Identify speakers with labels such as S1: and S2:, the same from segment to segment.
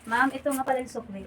S1: Ma'am, ito nga pala yung sukli.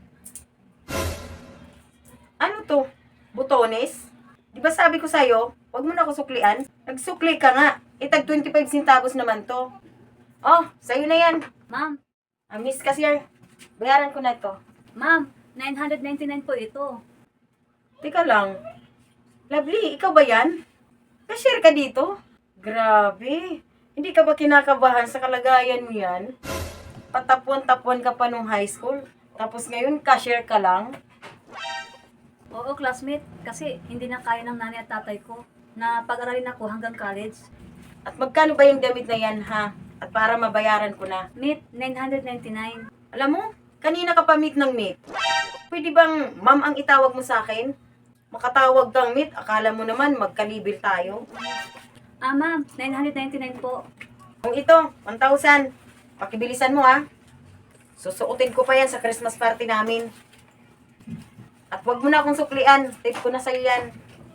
S2: Ano to? Butones? Di ba sabi ko sa'yo, wag mo na ako suklian? Nagsukli ka nga. Itag 25 centavos naman to. Oh, sa'yo na yan.
S1: Ma'am,
S2: Miss Cashier, bayaran ko na to.
S1: ma'am, 999 po ito.
S2: Teka lang. Lovely, ikaw ba yan? Cashier ka dito? Grabe. Hindi ka ba kinakabahan sa kalagayan mo yan? Patapuan-tapuan ka pa nung high school. Tapos ngayon, cashier ka lang?
S1: Oo, classmate, kasi hindi na kaya ng nanay at tatay ko na pag-aralin ako hanggang college.
S2: At magkano ba yung damit na yan, ha? At para mabayaran ko na.
S1: Meet, 999.
S2: Alam mo, kanina ka pa meet ng meet. Pwede bang ma'am ang itawag mo sa akin? Makatawag kang meet, akala mo naman magkalibil tayo.
S1: Ah, ma'am, 999 po.
S2: Kung ito, 1,000. Pakibilisan mo, ha? Susuotin ko pa yan sa Christmas party namin. At wag mo na akong suklian. Tip ko na sa'yo yan.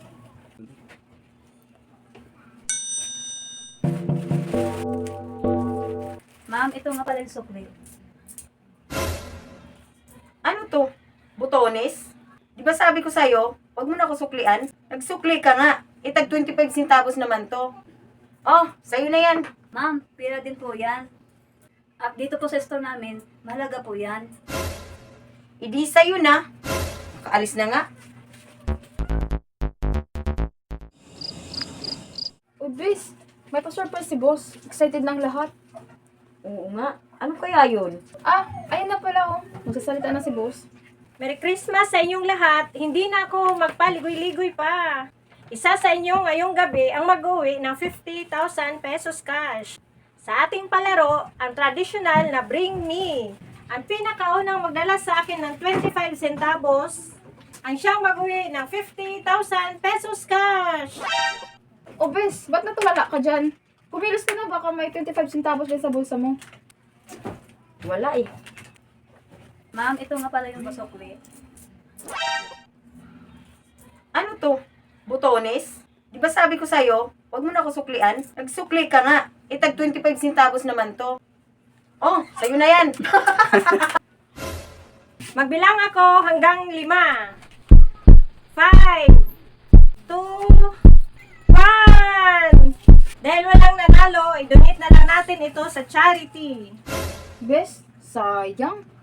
S1: Ma'am, ito nga pala yung sukli.
S2: Ano to? Butones? Di ba sabi ko sa'yo, wag mo na ako suklian? Nagsukli ka nga. Itag 25 centavos naman to. Oh, sa'yo na yan.
S1: Ma'am, pira din po yan. At dito po sa store namin, mahalaga po yan.
S2: Idi sa'yo na. Nakaalis na nga.
S3: Bis, may pa-surprise si boss. Excited ng lahat.
S2: Oo nga. Ano kaya yun?
S3: Ayun na pala oh. Magsasalita na si boss.
S4: Merry Christmas sa inyong lahat. Hindi na ako magpaligoy-ligoy pa. Isa sa inyo ngayong gabi ang mag-uwi ng 50,000 pesos cash. Sa ating palaro, ang traditional na Bring Me. Ang pinakaunang magdala sa akin ng 25 centavos, ang siyang mag-uwi ng 50,000 pesos cash.
S3: Bis, ba't natulala ka dyan? Kumilos ka na, baka may 25 centavos din sa bulsa mo.
S2: Wala eh.
S1: Ma'am, ito nga pala yung sukli.
S2: Ano to? Butones? Di ba sabi ko sa'yo, wag mo na ako suklian? Nagsukli ka nga. Itag 25 centavos naman to. Oh, sa'yo na yan.
S4: Magbilang ako hanggang 5. 5, 2, 1. Dahil walang nanalo, i-donate na lang natin ito sa charity.
S3: Bes, sayang.